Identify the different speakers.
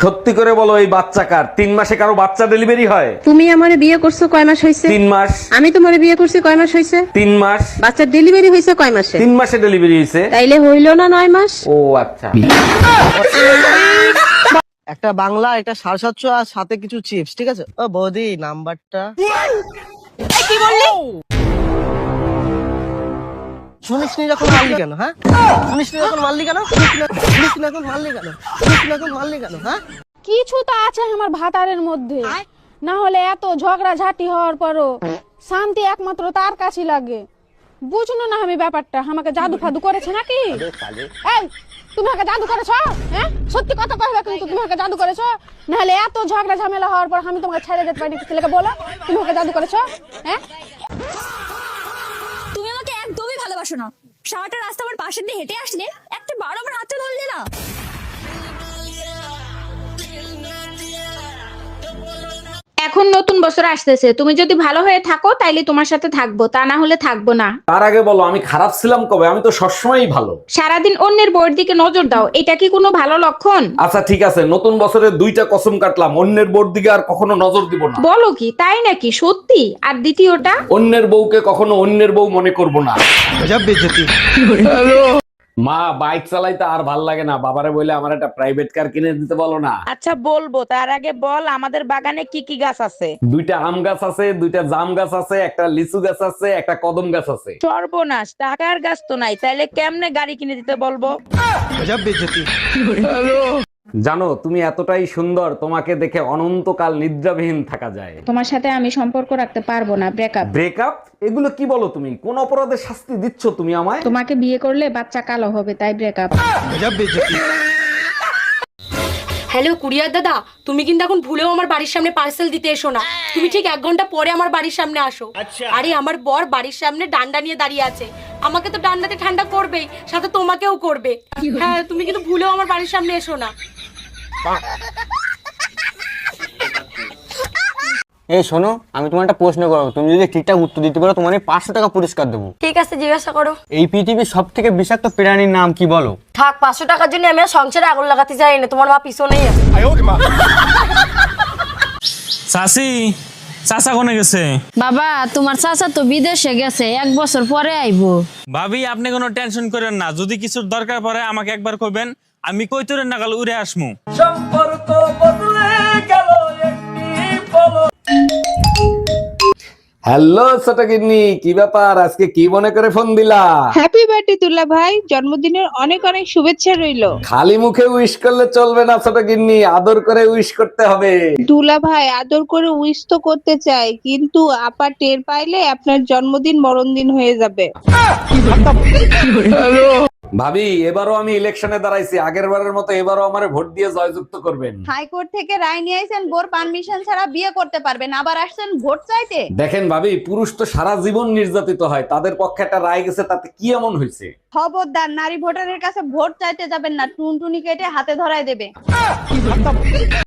Speaker 1: সত্যি করে বলো, এই বাচ্চা কার? 3 মাসে কারো বাচ্চা ডেলিভারি হয়?
Speaker 2: তুমি আমারে বিয়ে করছো কয় মাস হইছে?
Speaker 1: 3 মাস।
Speaker 2: আমি তোমারে বিয়ে করছি কয় মাস হইছে?
Speaker 1: 3 মাস।
Speaker 2: বাচ্চার ডেলিভারি হইছে কয় মাসে?
Speaker 1: 3 মাসে ডেলিভারি হয়েছে।
Speaker 2: তাইলে হইল না 9 মাস?
Speaker 1: ও আচ্ছা।
Speaker 3: একটা বাংলা, একটা 750 আর সাথে কিছু চিপস, ঠিক আছে? ও বৌদি, নাম্বারটা
Speaker 4: কি বললি?
Speaker 3: শুনিসনি যখন মারলি কেন? হ্যাঁ, শুনিসনি যখন মারলি কেন? শুনিসনি যখন মারলি কেন? শুনিসনি যখন মারলি কেন? হ্যাঁ,
Speaker 4: কিছু তো আছে আমার ভাতারের মধ্যে, না হলে এত ঝগড়া ঝাঁটি হওয়ার পরও শান্তি একমাত্র তার কাছে লাগে। বুঝলো না আমি ব্যাপারটা, আমাকে জাদু ফাদু করেছে নাকি? এই, তুমি আমাকে জাদু করেছো? হ্যাঁ, সত্যি কথা কইবে কিন্তু তুমি আমাকে জাদু করেছো? না হলে এত ঝগড়া ঝামেলা হওয়ার পর আমি তোমাকে ছেড়ে যেতে পারি? ছেলেকে বলো তুমি আমাকে জাদু করেছো। হ্যাঁ,
Speaker 5: তুমি আমাকে একদমই ভালোবাসো না। সারাটা রাস্তা আমার পাশে দিয়ে হেঁটে আসলে, একটা বার আমার হাতটা ধরলে না।
Speaker 6: এখন নতুন বছর আসতেছে, তুমি যদি ভালো হয়ে থাকো তাইলে তোমার সাথে থাকবো, তা না হলে থাকবো না।
Speaker 1: তার আগে বলো, আমি খারাপ ছিলাম কবে? আমি তো সবসময়ই ভালো।
Speaker 6: সারাদিন অন্যের বউয়ের দিকে নজর দাও, এটা কি কোনো ভালো লক্ষণ?
Speaker 1: আচ্ছা ঠিক আছে, নতুন বছরে 2টা কসম কাটলাম, অন্যের বউর দিকে আর কখনো নজর দিব না।
Speaker 6: বলো কি, তাই নাকি? সত্যি? আর দ্বিতীয়টা?
Speaker 1: অন্যের বউকে কখনো অন্যের বউ মনে করব না। মা, বাইক চালাইতে আর ভাল লাগে না, বাবারে বলে আমার একটা প্রাইভেট কার কিনে দিতে বলো না।
Speaker 7: আচ্ছা বলবো, তার আগে বল আমাদের বাগানে কি কি গাছ আছে?
Speaker 1: 2টা আম গাছ আছে, 2টা জাম গাছ আছে, একটা লিচু গাছ আছে, একটা কদম গাছ আছে।
Speaker 7: সর্বনাশ, টাকার গাছ তো নাই, তাইলে কেমনে গাড়ি কিনে দিতে বলবো?
Speaker 1: জানো, তুমি এতটাই সুন্দর, তোমাকে দেখে অনন্তকাল নিদ্রাবিহীন থাকা যায়।
Speaker 6: তোমার সাথে আমি সম্পর্ক রাখতে পারবো না, ব্রেকআপ।
Speaker 1: ব্রেকআপ? এগুলো কি বলো তুমি? কোন অপরাধে শাস্তি দিচ্ছ তুমি আমায়?
Speaker 6: তোমাকে বিয়ে করলে বাচ্চা কালো হবে, তাই ব্রেকআপ।
Speaker 8: হ্যালো কুরিয়ার দাদা, তুমি কিন্তু এখন ভুলেও আমার বাড়ির সামনে পার্সেল দিতে এসো না। তুমি ঠিক 1 ঘন্টা পরে আমার বাড়ির সামনে আসো। আরে আমার বর বাড়ির সামনে ডান্ডা নিয়ে দাঁড়িয়ে আছে, আমাকে তো ডান্ডাতে ঠান্ডা করবেই, সাথে তোমাকেও করবে। হ্যাঁ, তুমি কিন্তু ভুলেও আমার বাড়ির সামনে এসো না।
Speaker 3: এই শোনো, আমি তোমার একটা প্রশ্ন করবো, তুমি যদি ঠিকঠাক উত্তর দিতে পারো তোমার 500 টাকা পুরস্কার দেবো।
Speaker 8: ঠিক আছে, জিজ্ঞাসা করো।
Speaker 3: এই পৃথিবীর সব থেকে বিষাক্ত প্রাণীর নাম কি বলো?
Speaker 8: থাক, 500 টাকার জন্য আমি আর সংসারে আগুন লাগাতে চাই না, তোমার মা পিছনেই আছে।
Speaker 9: চাচি, চাচা কোনে গেছে?
Speaker 4: বাবা তোমার চাচা তো বিদেশে গেছে, 1 বছর পরে আইবো।
Speaker 9: ভাবি, আপনি কোনো টেনশন করেন না, যদি কিছুর দরকার পড়ে আমাকে একবার কইবেন, আমি কইতরের নাগাল উড়ে আসমু।
Speaker 1: হ্যালো ছোটগিন্নি, কি ব্যাপার? আজকে কি মনে করে ফোন দিলা?
Speaker 2: হ্যাপি বার্থডে দুলা ভাই, জন্মদিনের অনেক অনেক শুভেচ্ছা রইলো।
Speaker 1: খালি মুখে উইশ করলে চলবে না ছোটগিন্নি, আদর করে উইশ করতে হবে।
Speaker 2: দুলা ভাই আদর করে উইশ তো করতে চাই, কিন্তু আপা টের পাইলে আপনার জন্মদিন মরণদিন হয়ে যাবে।
Speaker 1: ভাবি, এবারও আমি ইলেকশনে দাঁড়াইছি, আগের বারের মতো এবারও আমারে ভোট দিয়ে জয়যুক্ত করবেন।
Speaker 10: হাইকোর্ট থেকে রায় নিয়ে আইছেন, বোর পারমিশন ছাড়া বিয়ে করতে পারবেন, আবার আসছেন ভোট চাইতে।
Speaker 1: দেখেন ভাবি, পুরুষ তো সারা জীবন নির্যাতিত হয়, তাদের পক্ষে একটা রায় গেছে, তাতে কি এমন হয়েছে?
Speaker 10: খবরদার নারী ভোটারের কাছে ভোট চাইতে যাবেন না, টুনটুনি কেটে হাতে ধরায় দেবে।